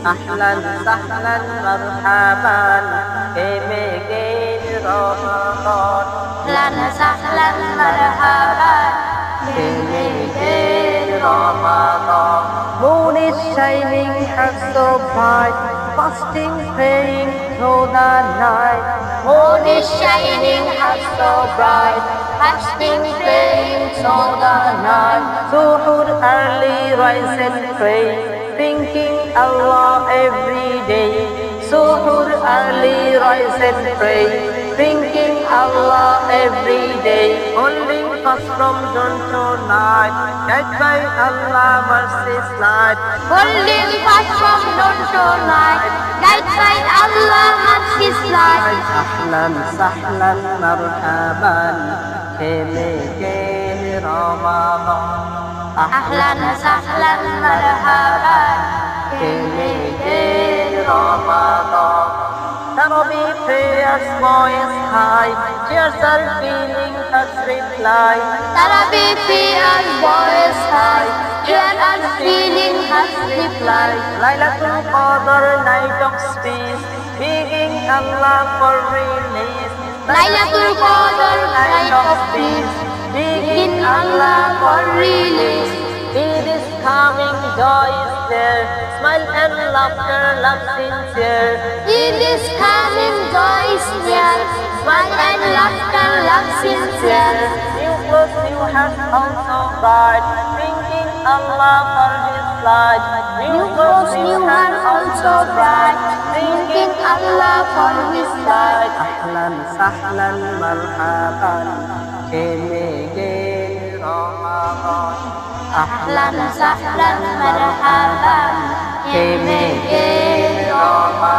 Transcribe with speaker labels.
Speaker 1: أهلا سهلا مرحبا كمجين رمضان
Speaker 2: أهلا سهلا مرحبا كمجين رمضان.
Speaker 1: Moon is shining, heart so bright, fasting, praying through the night.
Speaker 2: Moon is shining, heart so bright, fasting, praying through the night.
Speaker 1: Suhoor early, rise and pray, thinking Allah every day. Suhoor early, rise and pray, thinking Allah every day. Holding fast from dawn to night, guided by Allah mercy's light.
Speaker 2: Holding fast from dawn to night, guided by Allah mercy's light.
Speaker 1: أهلا سهلا مرحبا كمجين رمضان
Speaker 2: أهلا سهلا مرحبا كمجين رمضان.
Speaker 1: Tarawih prayers voice high, tears are feeling us reply.
Speaker 2: Tarawih prayers voice high, tears are feeling us reply.
Speaker 1: Laylatul Qadr, night of peace, begging Allah for release.
Speaker 2: Laylatul Qadr, night of peace,
Speaker 1: begging
Speaker 2: begging Allah for release.
Speaker 1: Eid is coming, joy is there, smile and laughter, love sincere.
Speaker 2: Eid is coming, joy is near, smile and laughter, love sincere.
Speaker 1: New clothes, new hearts also bright, thanking Allah for His light.
Speaker 2: New clothes, new heart also bright, thanking Allah for His light.
Speaker 1: أهلا سهلا مرحبا كمجين رمضان
Speaker 2: أهلا سهلا مرحبا كمجين رمضان.